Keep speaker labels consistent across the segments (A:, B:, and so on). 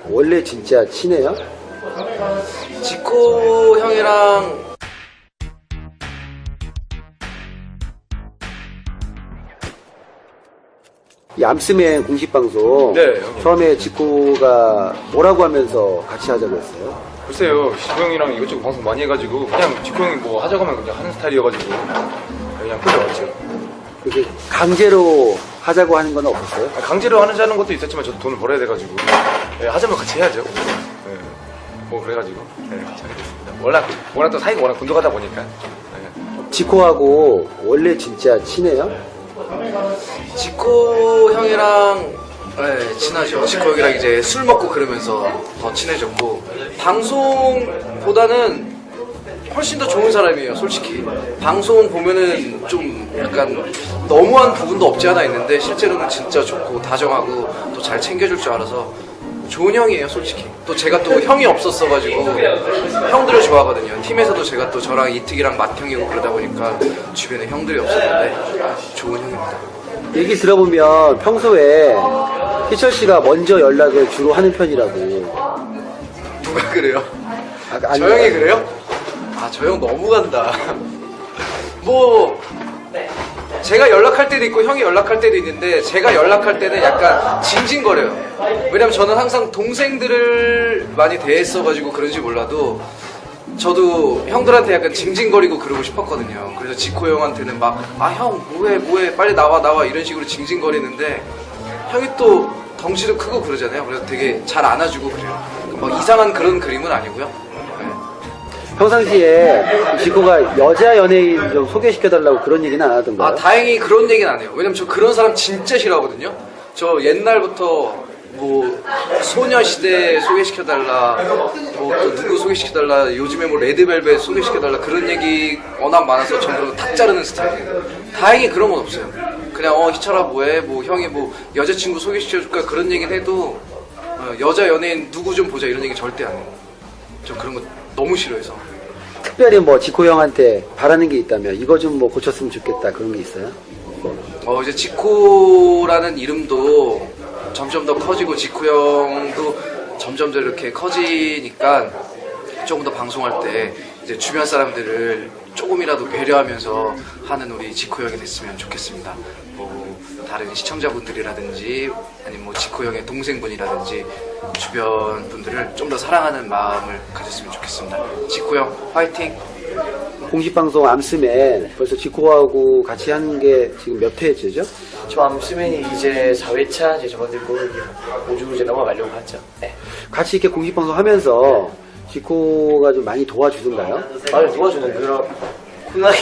A: 원래 진짜 친해요?
B: 지코 형이랑
A: 이 암스맨 공식 방송
C: 네.
A: 처음에 지코가 뭐라고 하면서 같이 하자고 했어요?
C: 글쎄요, 지코 형이랑 이것저것 방송 많이 해가지고 그냥 지코 형이 뭐 하자고 하면 그냥 하는 스타일이어가지고 그냥 끌려왔죠.
A: 그게 강제로 하자고 하는 건 없었어요?
C: 강제로 하자는 것도 있었지만 저도 돈을 벌어야 돼가지고 하자면 같이 해야죠. 뭐 그래가지고 같이 하게 됐습니다. 워낙 또 사이가 워낙 돈독하다 보니까.
A: 지코하고 원래 진짜 친해요?
B: 지코 형이랑 친하죠. 지코 형이랑 이제 술 먹고 그러면서 더 친해졌고, 방송보다는 훨씬 더 좋은 사람이에요, 솔직히. 방송 보면은 좀 약간 너무한 부분도 없지 않아 있는데 실제로는 진짜 좋고 다정하고 또 잘 챙겨줄 줄 알아서 좋은 형이에요, 솔직히. 또 제가 또 형이 없었어가지고 형들을 좋아하거든요. 팀에서도 제가 또 저랑 이특이랑 맏형이고 그러다 보니까 주변에 형들이 없었는데 좋은 형입니다.
A: 얘기 들어보면 평소에 희철 씨가 먼저 연락을 주로 하는 편이라고.
B: 누가 그래요?
A: 아니,
B: 저 형이 그래요? 아, 저 형 너무 간다. 뭐 제가 연락할 때도 있고 형이 연락할 때도 있는데, 제가 연락할 때는 약간 징징거려요. 왜냐면 저는 항상 동생들을 많이 대했어가지고 그런지 몰라도 저도 형들한테 약간 징징거리고 그러고 싶었거든요. 그래서 지코 형한테는 막 형 뭐해 빨리 나와 이런 식으로 징징거리는데, 형이 또 덩치도 크고 그러잖아요. 그래서 되게 잘 안아주고 그래요. 막 이상한 그런 그림은 아니고요.
A: 평상시에 지코가 여자 연예인 좀 소개시켜달라고 그런 얘기는 안 하던가요?
B: 아, 다행히 그런 얘기는 안 해요. 왜냐면 저 그런 사람 진짜 싫어하거든요. 저 옛날부터 뭐 소녀시대 소개시켜달라, 뭐 또 누구 소개시켜달라, 요즘에 뭐 레드벨벳 소개시켜달라, 그런 얘기 워낙 많아서 저는 그런 거 탁 자르는 스타일이에요. 다행히 그런 건 없어요. 그냥 희철아 뭐해, 뭐 형이 뭐 여자친구 소개시켜줄까, 그런 얘기는 해도 여자 연예인 누구 좀 보자 이런 얘기 절대 안 해요. 저 그런 거 너무 싫어해서.
A: 특별히 뭐 지코 형한테 바라는 게 있다면 이거 좀 뭐 고쳤으면 좋겠다 그런 게 있어요?
B: 이제 지코라는 이름도 점점 더 커지고 지코 형도 점점 더 이렇게 커지니까 조금 더 방송할 때 이제 주변 사람들을 조금이라도 배려하면서 하는 우리 지코 형이 됐으면 좋겠습니다. 뭐 다른 시청자분들이라든지 아니면 뭐 지코 형의 동생분이라든지 주변 분들을 좀 더 사랑하는 마음을 가졌으면 좋겠습니다. 지코 형 화이팅!
A: 공식 방송 암스맨 벌써 지코하고 같이 하는 게 지금 몇 회째죠?
D: 저 암스맨이 이제 4회차 이제 접어들고 5주 이제 넘어가려고 하죠. 네.
A: 같이 이렇게 공식 방송 하면서 지코가 좀 많이 도와주던가요?
D: 도와주는 그런 훈하게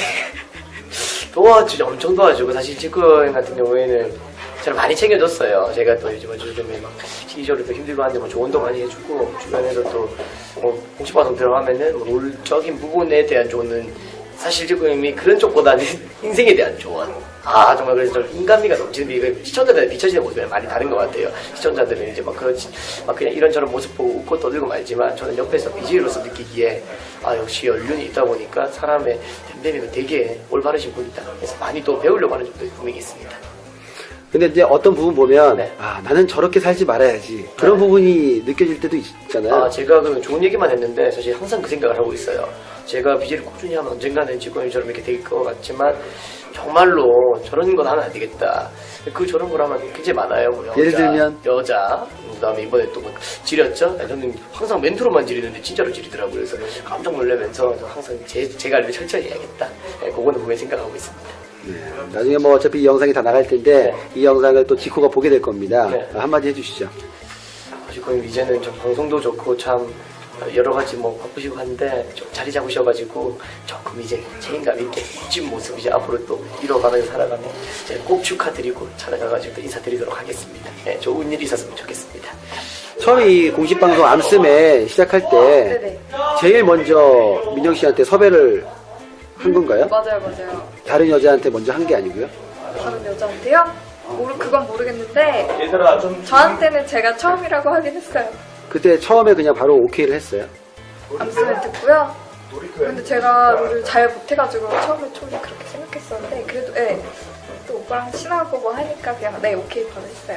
D: 도와주죠. 엄청 도와주고, 사실 지코 형 같은 경우에는 저를 많이 챙겨줬어요. 제가 또 요즘에 막 시기적으로 또 힘들고 하는데 뭐 조언도 많이 해주고, 주변에서 또 공식 방송 들어가면은 뭐 롤적인 부분에 대한 조언은 사실 지코 형이 그런 쪽보다는 인생에 대한 조언. 정말 그래서 좀 인간미가 넘치는데, 이거 시청자들한테 비춰지는 모습이 많이 다른 것 같아요. 시청자들은 이제 막 그냥 이런저런 모습 보고 웃고 떠들고 말지만, 저는 옆에서 BJ로서 느끼기에 역시 연륜이 있다 보니까 사람의 댐댐이가 되게 올바르신 분이다. 그래서 많이 또 배우려고 하는 점도 분명히 있습니다.
A: 근데 이제 어떤 부분 보면
D: 네.
A: 나는 저렇게 살지 말아야지 그런 부분이 느껴질 때도 있잖아요.
D: 제가 그러면 좋은 얘기만 했는데 사실 항상 그 생각을 하고 있어요. 제가 BJ를 꾸준히 하면 언젠가는 지코형처럼 이렇게 될 것 같지만, 정말로 저런 건 하면 안 되겠다. 저런 걸 하면 굉장히 많아요. 뭐
A: 예를 들면?
D: 여자, 그다음에 이번에 또 뭐 지렸죠? 저는 항상 멘트로만 지리는데 진짜로 지리더라고요. 그래서 깜짝 놀라면서 항상 제 관리를 철저히 해야겠다. 그거는 분명히 생각하고 있습니다.
A: 나중에 뭐 어차피 이 영상이 다 나갈 텐데 이 영상을 또 지코가 보게 될 겁니다.
D: 네.
A: 한마디 해주시죠.
D: 지코형 이제는 좀 방송도 좋고 참 여러 가지 뭐 바쁘시고 한데 좀 자리 잡으셔가지고 조금 이제 책임감 있게 멋진 모습 이제 앞으로 또 이뤄가면서 살아가면 제가 꼭 축하드리고 찾아가가지고 또 인사드리도록 하겠습니다. 네, 좋은 일이 있었으면 좋겠습니다.
A: 처음에 이 공식 방송 암스맨 시작할 때
E: 네네.
A: 제일 먼저 민영 씨한테 섭외를 한 건가요?
E: 맞아요.
A: 다른 여자한테 먼저 한 게 아니고요?
E: 다른 여자한테요? 그건 모르겠는데 저한테는 제가 처음이라고 하긴 했어요.
A: 그때 처음에 그냥 바로 오케이를 했어요.
E: 암스맨 듣고요. 근데 제가 롤을 잘 못해가지고 처음에 좀 그렇게 생각했었는데, 그래도 또 오빠랑 친하고 뭐 하니까 그냥 오케이 바로 했어요.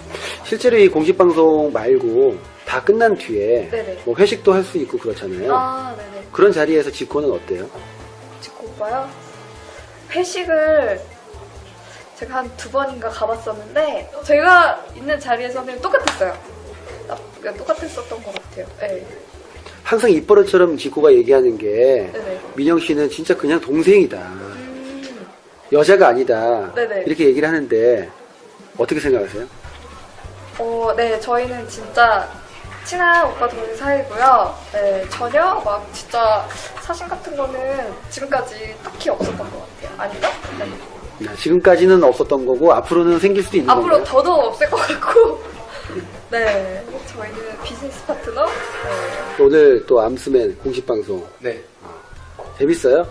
A: 실제로 이 공식방송 말고 다 끝난 뒤에
E: 네네.
A: 뭐 회식도 할 수 있고 그렇잖아요.
E: 아, 네네.
A: 그런 자리에서 지코는 어때요?
E: 지코 오빠요? 회식을 제가 한 2번인가 가봤었는데 제가 있는 자리에서는 똑같았어요. 똑같았었던 것 같아요. 네.
A: 항상 입버릇처럼 지코가 얘기하는 게
E: 네네.
A: 민영 씨는 진짜 그냥 동생이다. 여자가 아니다.
E: 네네.
A: 이렇게 얘기를 하는데 어떻게 생각하세요?
E: 네, 저희는 진짜 친한 오빠 동생 사이고요. 네, 전혀 막 진짜 사심 같은 거는 지금까지 딱히 없었던 것 같아요. 아니죠? 네.
A: 지금까지는 없었던 거고 앞으로는 생길 수도 있는
E: 앞으로
A: 건가요?
E: 더더욱 없을 것 같고. 네, 저희는 비즈니스 파트너. 네.
A: 오늘 또 암스맨 공식방송
C: 네.
A: 재밌어요?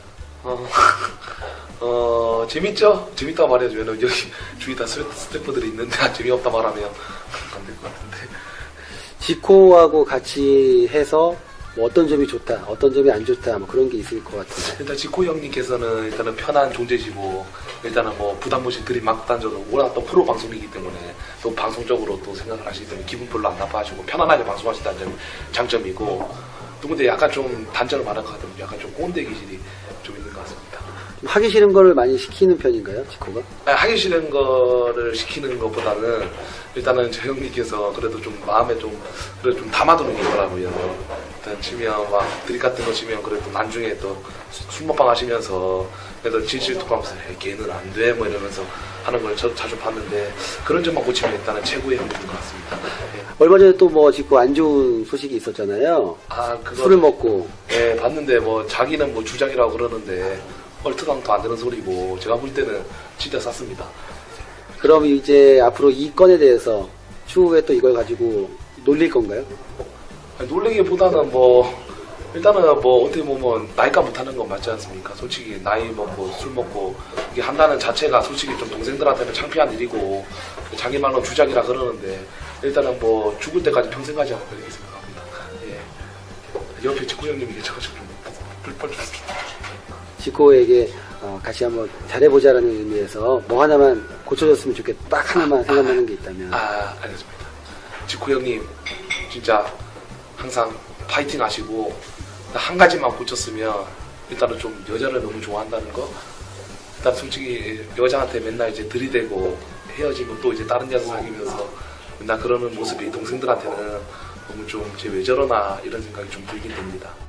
C: 재밌죠? 재밌다고 말해주면 여기 주위 다 스태프들이 있는데 재미없다 말하면 안 될 것 같은데.
A: 지코하고 같이 해서 뭐 어떤 점이 좋다, 어떤 점이 안 좋다, 뭐 그런 게 있을 것 같은데.
C: 일단 지코 형님께서는 일단은 편한 존재시고 일단은 뭐 부담 없이 드림 막 던져도 워낙 또 프로 방송이기 때문에 또 방송적으로 또 생각을 하시기 때문에 기분 별로 안 나빠하시고 편안하게 방송하신다는 점이 장점이고 또 근데 약간 좀 단점을 말할 것 같으면 약간 좀 꼰대 기질이 좀 있는 것 같습니다.
A: 좀 하기 싫은 거를 많이 시키는 편인가요, 지코가?
C: 하기 싫은 거를 시키는 것보다는 일단은 저 형님께서 그래도 좀 마음에 좀 그래도 좀 담아두는 게 있더라고요. 일단 치면 막 드립 같은 거 치면 그래도 나중에 또 술 먹방 하시면서 그래도 질질투하면서 걔는 안 돼 뭐 이러면서 하는 걸 저도 자주 봤는데 그런 점만 고치면 일단은 최고의 형님인 것 같습니다. 예.
A: 얼마 전에 또 뭐 지코 안 좋은 소식이 있었잖아요.
C: 그거
A: 술을 먹고.
C: 예, 봤는데 뭐 자기는 뭐 주작이라고 그러는데 얼토당토 안 되는 소리고 제가 볼 때는 진짜 쌌습니다.
A: 그럼 이제 앞으로 이 건에 대해서 추후에 또 이걸 가지고 놀릴 건가요?
C: 아니, 놀리기보다는 뭐 일단은 뭐 어떻게 보면 나이가 못하는 건 맞지 않습니까? 솔직히 나이 먹고 술 먹고 이게 한다는 자체가 솔직히 좀 동생들한테는 창피한 일이고 자기 말로 주작이라 그러는데 일단은 뭐 죽을 때까지 평생 가지 않고 이렇게 생각합니다. 예. 옆에 직구 형님이 계셔가지고 좀 불펄 줬습니다.
A: 지코에게 같이 한번 잘해보자라는 의미에서 뭐 하나만 고쳐줬으면 좋겠다. 딱 하나만 생각나는 게 있다면.
C: 알겠습니다. 직구 형님 진짜 항상 파이팅 하시고 한 가지만 고쳤으면 일단은 좀 여자를 너무 좋아한다는 거. 일단 솔직히 여자한테 맨날 이제 들이대고 헤어지고 또 이제 다른 여자 사귀면서 맨날 그러는 모습이 동생들한테는 너무 좀 쟤 왜 저러나 이런 생각이 좀 들긴 됩니다.